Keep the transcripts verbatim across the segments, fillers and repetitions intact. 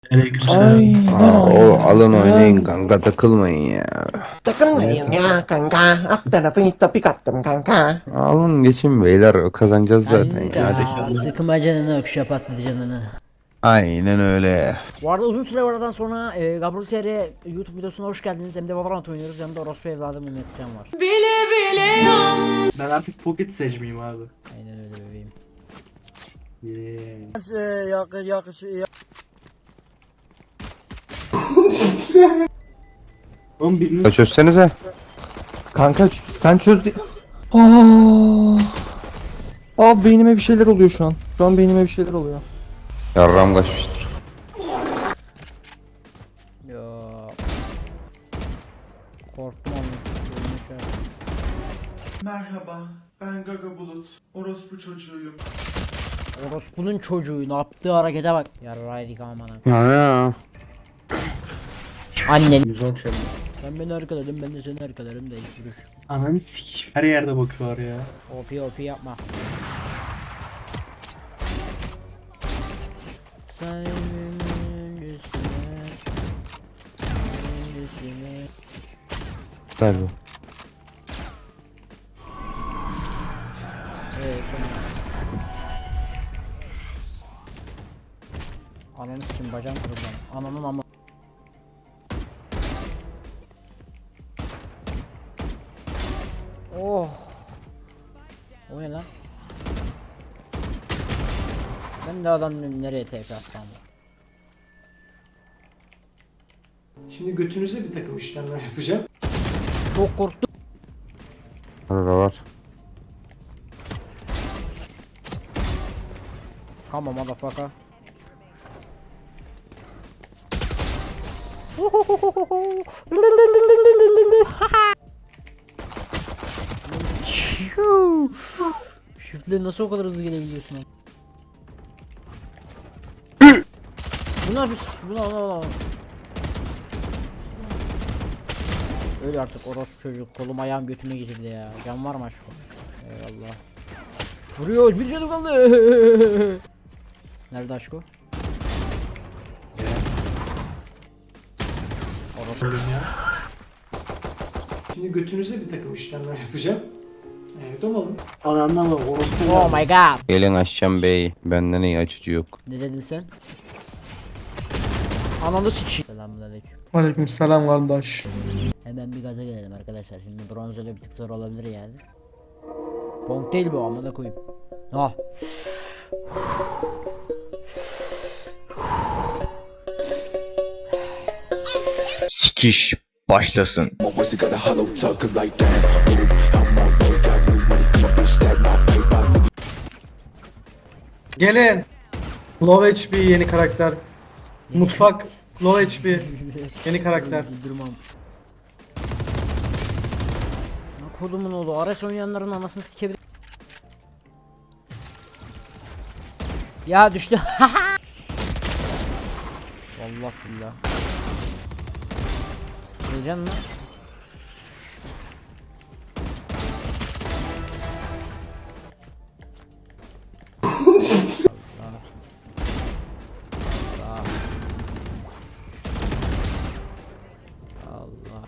Aleykümselam. Aa, o alın oynayın kanka, takılmayın ya. Takılmayın ya kanka. Alt tarafı hiç topik attım kanka. Alın geçin beyler, kazanacağız zaten ya. Hadi Kanka inşallah. sıkma canını ökşe patladı canını. Aynen öyle. Bu arada uzun süre aradan sonra e, Gabriel T R YouTube videosuna hoş geldiniz. Hem de Valorant oynuyoruz. Yanımda orospu evladım Mehmet Can var. Ben artık pocket seçmeyeyim abi. Aynen öyle bebeğim. Yeah. Oğlum biriniz Ya çözsenize. Kanka ç- sen çöz di- Aa. Aa beynime bir şeyler oluyor şu an. Şu an beynime bir şeyler oluyor. Yarram kaçmıştır. Ya. Korktum onu. Ölmüş ya. Merhaba, ben Gaga Bulut. Orospu çocuğuyum. Orospu'nun çocuğu ne yaptığı harekete bak. Yarraydık amana. Ya ya. Annen. yüz on çabuk. Sen beni arkaladın ben de seni arkalarım da ilk vuruş. Ananı sik. Her yerde bakıyorlar ya. O P O P yapma. Sen üstüne, üstüne. Güzel bu. Evet sonra. Ananı sikim bacağım kırıldı. Ananın ama. Oh. O ne lan? Ben de adam nereye T P attım? Şimdi götünüze bir takım işlemler yapacağım. Çok korktum. Orada var. Come on motherfucker. Shift'le nasıl o kadar hızlı gelebiliyorsun lan? Bunlar biz buna buna buna. Öyle artık orospu çocuk kolum ayağım götüme geçirdi ya. Can var mı aşkım? Eyvallah. Vuruyor bir canım kaldı. Nerede aşko? Ölüm ya. Şimdi götünüze bir takım işlemler yapacağım. Evet, domalım. Anandan bak orospu. Oh my god. Gelin açacağım bey. Benden iyi açıcı yok. Ne dedin sen? Ananı sıçayım. Selamünaleyküm. Aleykümselam kardeş. Hemen bir gaza gelelim arkadaşlar. Şimdi bronz öyle bir tık zor olabilir yani. Ponk değil bu amına koyayım. Ah. Sikiş başlasın. Gelin. Low H P yeni karakter. Mutfak Low H P yeni karakter. Durmam. Ne kodumun oğlu. Ares oynayanların anasını sikebilir. Ya düştü. Allah billah. Öleceksin lan. Allah.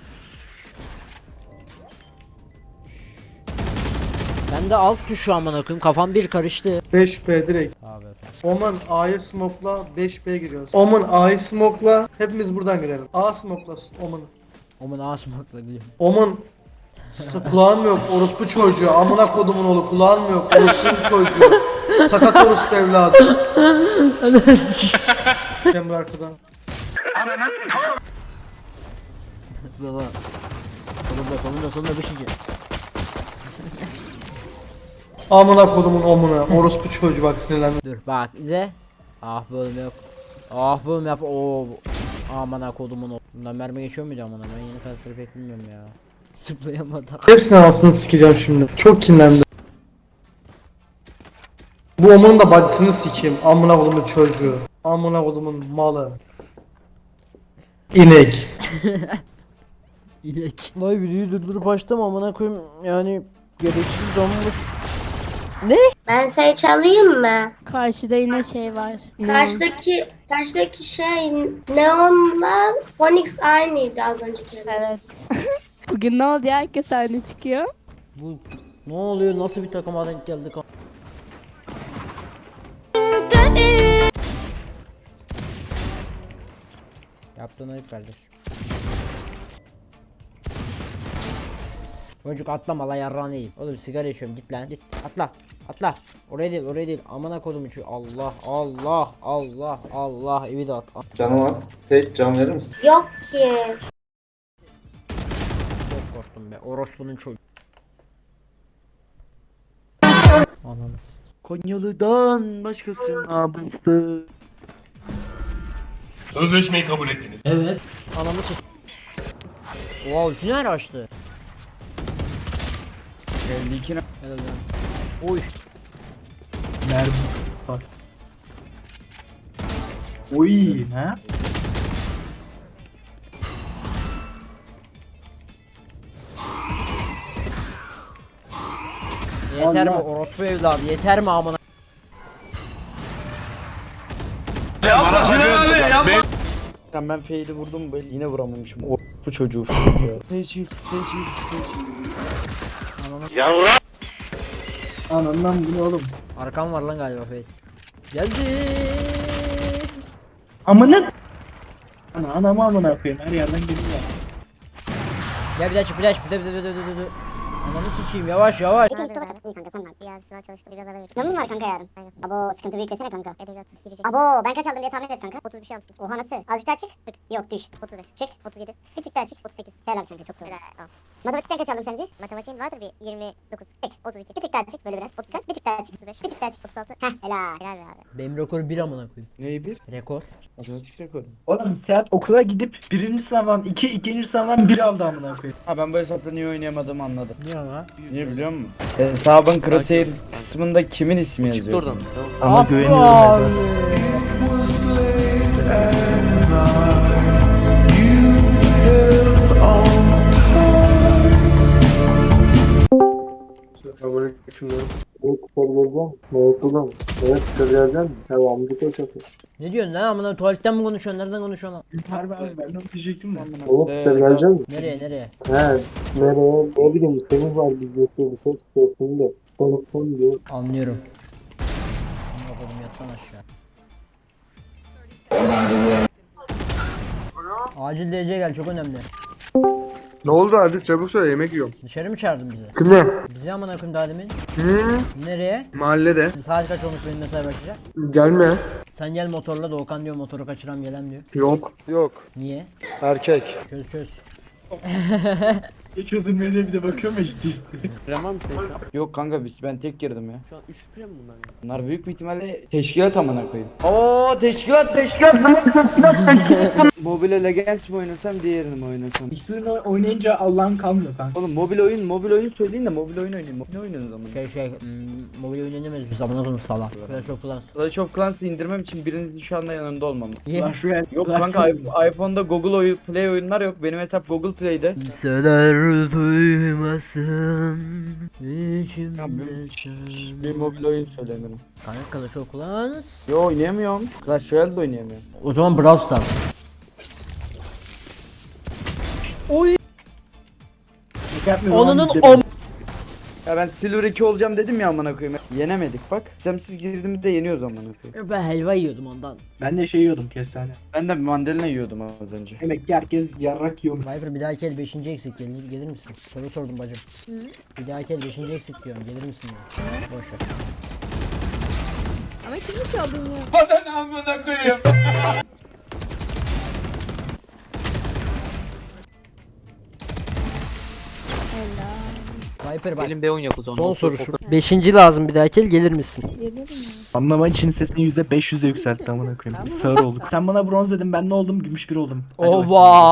Ben de alt tuşu amına koyayım. Kafam bir karıştı. beş B direkt. Abi. Oman A'ya smoke'la beş B giriyoruz. Oman A'yı smoke'la hepimiz buradan girelim. A smoke'la Oman'ı. Omun ağasmakla biliyorum. Oman S- kulağın yok orospu çocuğu, amına kodumun oğlu, kulağın mı yok orospu çocuğu, sakat orospu evladı. Cemre arkadan. Baba. Sonunda sonunda sonunda beşinci. Amına kodumun omuna orospu çocuğu, bak sinirlendim. Dur bak izle. Ah bölüm yok. Ah bölüm yap. Oo. Aman ha kodumun o. Bundan mermi geçiyor muydu amına? Ben yeni karakteri pek bilmiyorum ya. Zıplayamadım. Hepsini anasını sikeceğim şimdi. Çok kinlendim. Bu omunun da bacısını sikeyim. Amına kodumun çocuğu. Amına kodumun malı. İnek. İnek. Vay videoyu durdurup açtım amına koyayım. Yani gereksiz donmuş. Ben şey çalayım mı? Karşıda yine şey var. Karşıdaki karşıdaki şey Neon'la Phoenix aynıydı az önceki. Evet. Bugün ne oldu ya? Herkes sahne çıkıyor. Bu ne oluyor? Nasıl bir takıma denk geldik? Yaptığın ayıp kardeş. Çocuk atlama la yarrağını yiyeyim. Oğlum sigara içiyorum git lan git atla atla. Oraya değil oraya değil amına kodum içiyor. Allah Allah Allah Allah evi de at. Canım az. Seyit can verir misin? Yok ki. Çok korktum be orospunun çocuğu. Ananız. Konyalı'dan başkasına bastı. Sözleşmeyi kabul ettiniz. Anamı sıç. Oha ulti nerede açtı? elli iki Helal lan. Oy. Mermi. Bak. Oy ha? Yeter mi Allah. orospu evladı yeter mi amına? Ben ben fade'i vurdum böyle yine vuramamışım. O bu çocuğu. Seçil, seçil, seçil. Anandan bu ne oğlum? Arkam var lan galiba Feyt. Geldi. Amına. Ana anamı amına koyayım her yerden geliyor. Gel bir daha çık bir daha çık bir daha bir daha bir daha bir daha, bir daha. Ananı sıçayım yavaş yavaş. İyi kanka sen var. İyi abi sınav çalıştı biraz ara veriyor. Yanın var kanka yarın. Aynen. Abo sıkıntı büyük desene kanka. Edebiyat girecek. Abo ben kaç aldım diye tahmin et kanka. otuz bir şey almışsın. Oha nasıl? Azıcık daha çık. Tık. Yok düş. otuz beş. Çık. otuz yedi. Bir tık daha çık. otuz sekiz. Helal kanka çok doğru. Helal. Matematikten kaç aldın sence? Matematiğin vardır bir yirmi dokuz. Çık. otuz iki. Bir tık daha çık böyle biraz. otuz dört. Bir tık daha çık. otuz beş. Bir tık daha çık. otuz altı. Heh helal. Helal be abi. Benim rekoru bir amına koyayım. Neyi bir? Rekor. Matematik rekoru. Oğlum Seat okula gidip birinci sınavdan iki, ikinci sınavdan bir aldı amına koyayım. Ha ben bu hesapta niye oynayamadığımı anladım. Niye ama? Niye biliyor musun? Hesabın crosshair kısmında kimin ismi yazıyor? Çıktı oradan. Ama güveniyorum evet. Ne diyorsun lan amına tuvaletten mi konuşuyorsun nereden konuşuyorsun lan? Harbi abi ben de onu diyecektim de. Oğlum Ee, dışarı gelecek misin? Nereye nereye? He. Nereye? Ne bileyim senin var videosu bir ses çıkıyorsun da. Konuşsun diyor. Anlıyorum. Amına koydum yatsan aşağı. Acil D C gel çok önemli. Ne oldu hadi çabuk söyle yemek yiyorum. Dışarı mı çağırdın bizi? Kimle? Bizi amına koyayım daha demin. Hı? Nereye? Mahallede. Saat kaç olmuş benim mesai başlayacak? Gelme. Sen gel motorla Doğukan diyor motoru kaçıram gelen diyor. Yok. Yok. Niye? Erkek. Çöz çöz. Hiç çözülmedi bir de bakıyorum ya ciddi. Yok kanka biz ben tek girdim ya. Şu an üç mi bunlar ya? Bunlar büyük bir ihtimalle teşkilat amına koyayım. Oo teşkilat teşkilat lan teşkilat teşkilat. Mobile Legends mi oynasam diğerini mi oynasam? İkisini oynayınca Allah'ın kalmıyor kanka. Oğlum mobil oyun mobil oyun söyleyin de mobil oyun oynayın. Ne oynuyorsunuz zaman? Şey şey hmm, mobil oyun oynamıyoruz biz amına koyayım sala. Clash of Clans. Clash of Clans'ı indirmem için birinizin şu anda yanında olmam. Niye? Clash Royale. Yok Clash kanka Royale. i- iPhone'da Google oyun, Play oyunlar yok. Benim hesap Google Play'de. Kimseler duymasın Ya içimde bir, sen. bir mobil oyun söylemiyorum. Kanka Clash of Clans. Yo oynayamıyorum. Clash Royale de oynayamıyorum. O zaman Brawl Stars. Oy. Yapmıyorum Onunun abi, om. Ya ben Silver iki olacağım dedim ya amına koyayım. Yenemedik bak. Sistemsiz girdiğimizde yeniyoruz amına koyayım. Ben helva yiyordum ondan. Ben de şey yiyordum kestane. Ben de bir mandalina yiyordum az önce. Demek ki herkes yarrak yiyormuş. Viper bir dahaki el beşinci eksik gelir, gelir misin? Soru sordum bacım. Bir dahaki el beşinci eksik diyorum gelir misin diyor. Boş ver. Ama kimi çaldın ya? Viper bak. Gelin B on yap o zaman. Son soru şu. Beşinci lazım bir dahaki el gelir misin? Gelirim ya. Anlama için sesini yüzde beş yüze yükseltti amına koyayım. Biz sağır olduk. Sen bana bronz dedin ben ne oldum? Gümüş bir oldum. Hadi bakayım. Oba.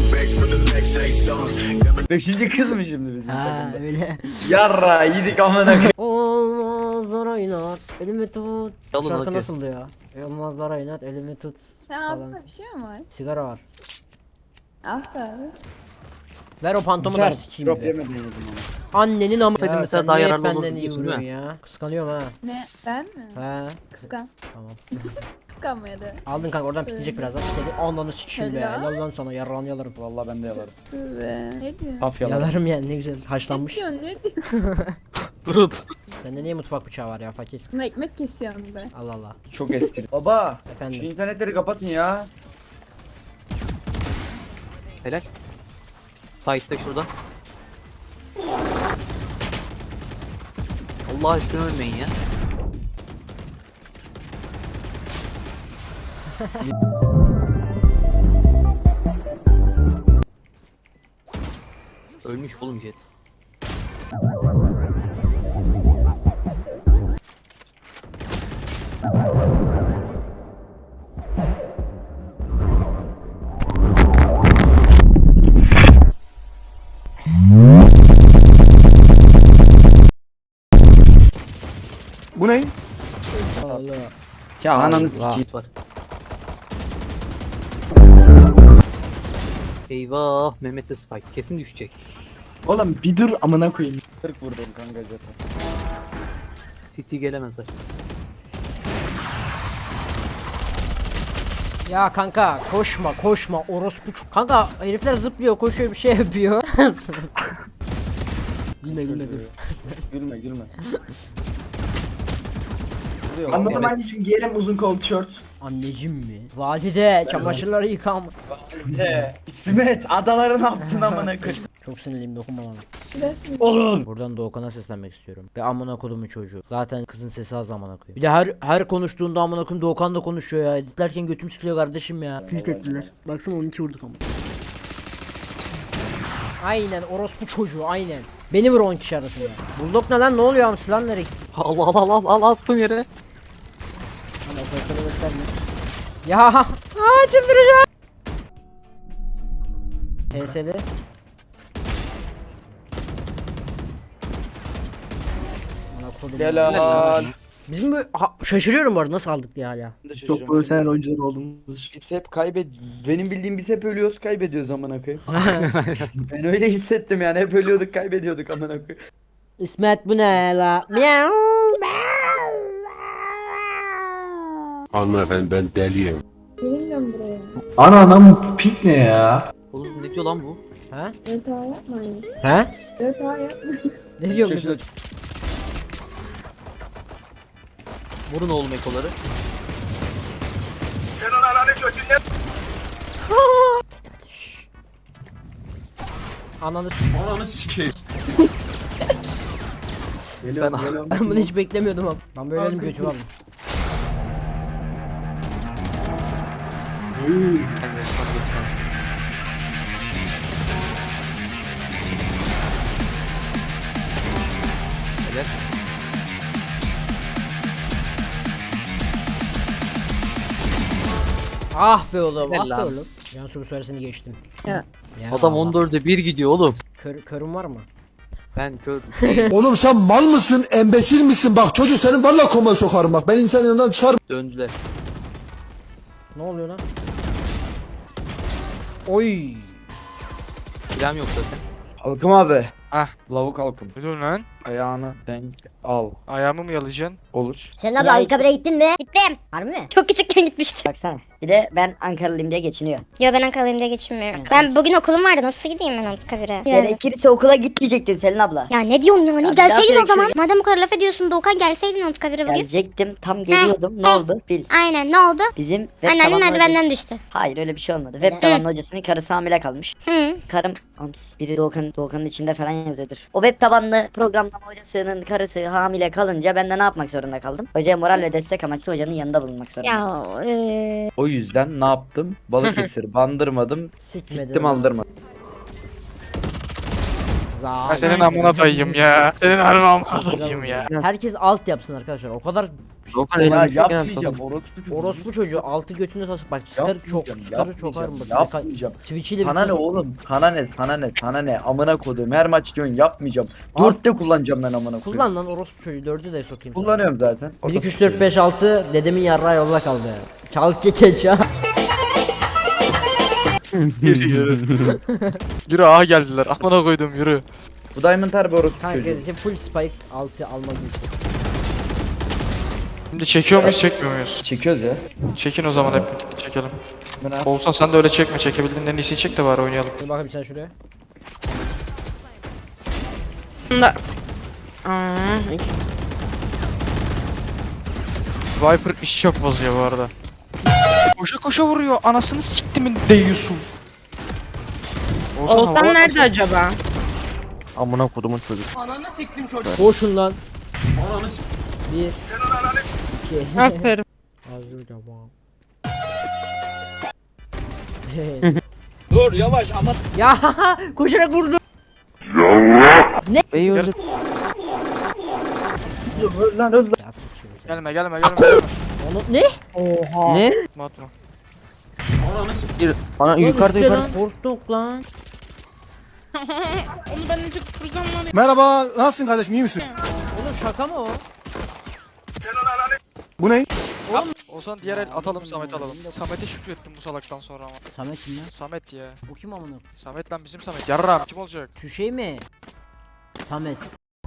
Beşinci kız mı şimdi bizim Ha takımda? öyle. Yarra yedik amına koyayım. Olmazlar oynat elimi tut. Alın Şarkı hadi. nasıldı ya? Olmazlar oynat elimi tut. Sen Falan. ağzında bir şey mi var? Sigara var. Aferin. Ver o pantomu da sikeyim Drop be. yemeden yedim onu. Annenin ama. Saydım Ya mesela sen daha niye hep yararlı benden olurdu iyi diyorsun, vuruyorsun değil ya? Kıskanıyorum ha. Ne? Ben mi? He. Kıskan. Tamam. Kıskanmaya da. Aldın kanka oradan pisleyecek birazdan. Pisledi. Ananı sikeyim be. Helal. Helal lan sana yarrağını yalarım. Vallahi ben de yalarım. Be. Ne diyorsun? Taf yalarım. Yalarım yani ne güzel Ne haşlanmış. diyorsun? Ne diyorsun? Durun. Sende niye mutfak bıçağı var ya fakir? Buna ekmek kesiyorum be. Allah Allah. Çok eski. Baba. Şu Efendim. internetleri kapatın ya. Helal. Site'da şurada. Allah aşkına ölmeyin ya. Ölmüş oğlum Jet. Bu ne? Allah. Ya ananı Allah. sikeyim. Jet var. Eyvah Mehmet de spike kesin düşecek. Oğlum bir dur amına koyayım. kırk vurdum kanka Jet'e. City gelemezler. Ya kanka koşma koşma orospu ç- Kanka herifler zıplıyor koşuyor bir şey yapıyor. Gülme gülme dur. Gülme gülme. Anladım anneciğim giyerim uzun kol tişört. Anneciğim mi? Valide çamaşırları yıkam. He, İsmet adaları ne yaptın amına koyayım? Çok sinirliyim dokunma bana. Oğlum. Buradan Doğukan'a seslenmek istiyorum. Ve amına kodumun çocuğu. Zaten kızın sesi az amına koyayım. Bir de her her konuştuğunda amına koyayım Doğukan da konuşuyor ya. Editlerken götüm sıkılıyor kardeşim ya. Tilt ettiler. Baksana on iki vurduk ama. Aynen orospu çocuğu aynen. Beni vur on kişi arasında. Bulldog ne lan ne oluyor amsı lan nereye? Allah Allah Allah Allah attım yere. Hani operatörü gösterme. Ya aa çıldıracağım. P S'li. Ana kodum. Helal. Bizim bu ha, şaşırıyorum bu arada nasıl aldık diye hala. Çok profesyonel oyuncular olduğumuz için. Biz hep kaybed... Benim bildiğim biz hep ölüyoruz kaybediyoruz amına koyayım. Ben öyle hissettim yani hep ölüyorduk kaybediyorduk amına koyayım. İsmet bu ne la? Miau. Hanımefendi ben deliyim. Gelmiyorum buraya. Ana anam bu pik ne ya? Oğlum ne diyor lan bu? Ha? Dört A yapmayın. Ha? Dört A yapmayın. Ne diyor Çekil kızım? Vurun oğlum ekoları. Şşş. Ananı Geliyorum geliyorum. ben bunu hiç beklemiyordum abi. Ben böyle elim götü aldım. Ben de sana götürmem. Helal. Ah be oğlum, Helal ah be lan. oğlum. Cansu bu sefersini geçtim. Ya. Ya Adam Allah. on dörde bir gidiyor oğlum. Kör, körüm var mı? Ben kör. Oğlum sen mal mısın? Embesil misin? Bak çocuk senin valla komaya sokarım bak. Ben insan yanından çıkarım. Döndüler. Ne oluyor lan? Oy. Silahım yok zaten. Halkım abi. Ah. Lavuk halkım. Ne diyorsun lan? Ayağını denk al. Ayağımı mı yalayacaksın? Olur. Sen abla Ankara'ya gittin mi? Gittim. Harbi mi? Çok küçükken gitmiştim. Baksana. Bir de ben Ankaralıyım diye geçiniyor. Yo ben Ankara'lıyım diye geçinmiyorum. Ben bugün okulum vardı. Nasıl gideyim ben Ankara'ya? Gerekirse okula gitmeyecektin Selin abla. Ya ne diyorsun yani? Ya Gelseydin biraz o zaman. direkt Madem bu kadar laf ediyorsun Doğukan gelseydin Ankara'ya bugün. Gelecektim. Tam geliyordum. Ne oldu? Bil. Aynen ne oldu? Bizim web Anneannem tabanlı merdivenden hocası- düştü. Hayır öyle bir şey olmadı. Web Hı. tabanlı hocasının karısı hamile kalmış. Hı. Karım Ams, biri Doğukan, Doğukan'ın içinde falan yazıyordur. O web tabanlı programlama hocasının karısı hamile kalınca ben de ne yapmak zorunda kaldım? Hocaya moral ve destek amaçlı hocanın yanında bulunmak zorunda. Ya eee... O yüzden ne yaptım? Balıkesir bandırmadım. Sikmedim. Gittim aldırmadım. Zalim. Ben senin amına dayıyım ya. Senin harbi amına dayıyım ya. Herkes alt yapsın arkadaşlar. O kadar Doğukan Ya elini yapmayacağım. Orospu çocuğu. orospu çocuğu altı götünü tasıp bak sıkarı çok Yapmayacağım, sıkarı çok ağır yapmayacağım, mı? yapmayacağım. Switch'iyle Sana ne oğlum? Sana ne? Sana ne? Sana ne? Amına koduğum her maç diyorsun yapmayacağım. Al. Dörtte kullanacağım ben amına koyayım. Kullan lan orospu çocuğu dördü de sokayım sana. Kullanıyorum zaten. bir iki üç dört beş altı dedemin yarrağı yolda kaldı. Çal kekeç ya. Yürü yürü. Yürü aha geldiler. Amına koydum yürü. Bu Diamond harbi orospu Kanka çocuğu. işte full spike altı alma gibi. Şimdi çekiyor muyuz çekmiyor muyuz? Çekiyoruz ya. Çekin o zaman hep birlikte çekelim. Ben abi. Olsan sen de öyle çekme, çekebildiğinden en iyisini çek de bari oynayalım. Dur bakayım sen şuraya. Viper iş çok bozuyor bu arada. Koşa koşa vuruyor, anasını siktimin değiyorsun. Olsan nerede acaba? Amına kodumun çocuk. Koşun lan. Bir. İki. Aferin. Hazır tamam. Dur yavaş ama. Ya koşarak vurdu. Bey öldü. Öl lan öl lan. Gelme gelme gelme gelme. Onu ne? Oha. Ne? Atma. Ana Lan yukarıda üstte yukarıda. lan. Korktuk lan. Onu ben önce kuracağım var ya. Merhaba, nasılsın kardeşim, iyi misin? Oğlum şaka mı o? Bu ne? Olsan diğer el atalım, Samet alalım. Samet'e şükrettim bu salaktan sonra ama. Samet kim lan? Samet ya. Bu kim amına? Samet lan bizim Samet. Yarram kim olacak? Şu şey mi? Samet.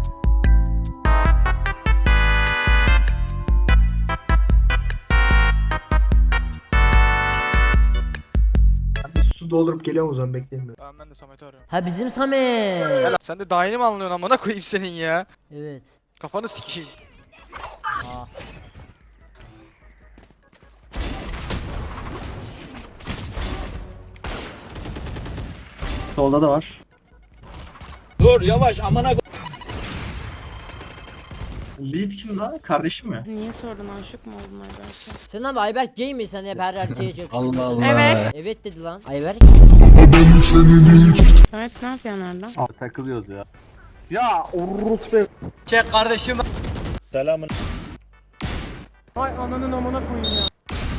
Bir su doldurup geliyorum o zaman bekleyin. Tamam ben de Samet'i arıyorum. Ha bizim Samet. Gel, sen de daha yeni mi anlıyorsun amına koyayım senin ya? Evet. Kafanı sikeyim. Aa. Solda da var. Dur yavaş amına. Lead kim lan? Kardeşim mi? Niye sordun, aşık mı oldun Ayberk'e? Sen abi Ayberk gay mi? Sen hep her erkeğe çok. Allah Allah. Evet. Evet dedi lan. Ayberk. Evet, ne yapıyorsun orada? Takılıyoruz ya. Ya orospu. Çek kardeşim. Selamın. Ay ananın amına koyayım ya.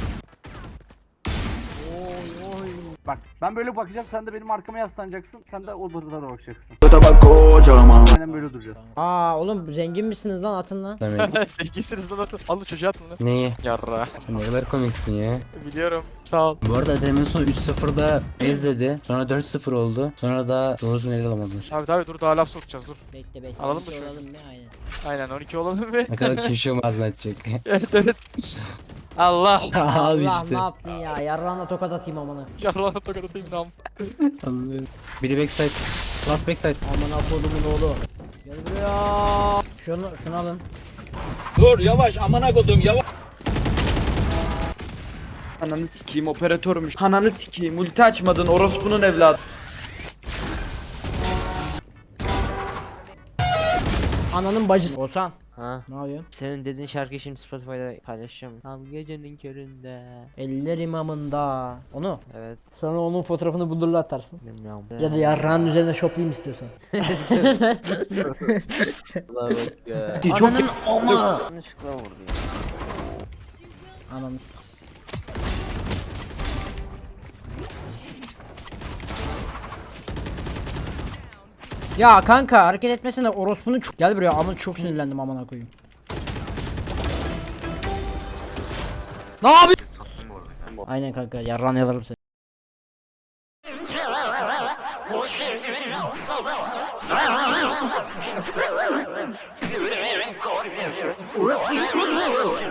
Bak ben böyle bakacağım, sen de benim arkama yaslanacaksın. Sen de o tarafa bakacaksın. Aynen böyle duracağız. Aa oğlum zengin misiniz lan atın lan. Demek. Sevgisiniz lan atın. Al çocuğa atın lan. Neyi? Yarra. Sen ne kadar komiksin ya. Biliyorum. Sağ ol. Bu arada demin son üç sıfırda ez dedi. Sonra dört sıfır oldu. Sonra da doğrusunu ele alamadılar. Abi tabi dur daha laf sokacağız dur. Bekle bekle. Alalım Bir mı şey şunu? Alalım ne aynen. Aynen on iki olalım bir. Ne kadar kişi ağzına atacak. Evet evet. Allah. Abi Allah işte. ne yaptın ya? Yarrağına tokat atayım amına. Yarrağına tokat atayım nam. Biri backside. Last backside. Amına kodumun oğlu. Gel buraya. Şunu şunu alın. Dur yavaş amına kodum yavaş. Ananı sikeyim, operatörmüş. Ananı sikeyim, ulti açmadın orospunun evladı. Ananın bacısı. Olsan. Ha. Ne yapıyorsun? Senin dediğin şarkıyı şimdi Spotify'da paylaşacağım. Tam gecenin köründe. Eller imamında. Onu. Evet. Sonra onun fotoğrafını bulurla atarsın. Bilmiyorum. Ya da yarrağın üzerine shoplayayım istiyorsan. Allah bak ya. Çok Ananın ama. Yanlışlıkla vurdu ya. Ananız. Ya kanka hareket etmesene orospunun çok... Gel buraya ama çok sinirlendim amına koyayım. Ne yapıyorsun? Aynen kanka yarran yalarım seni.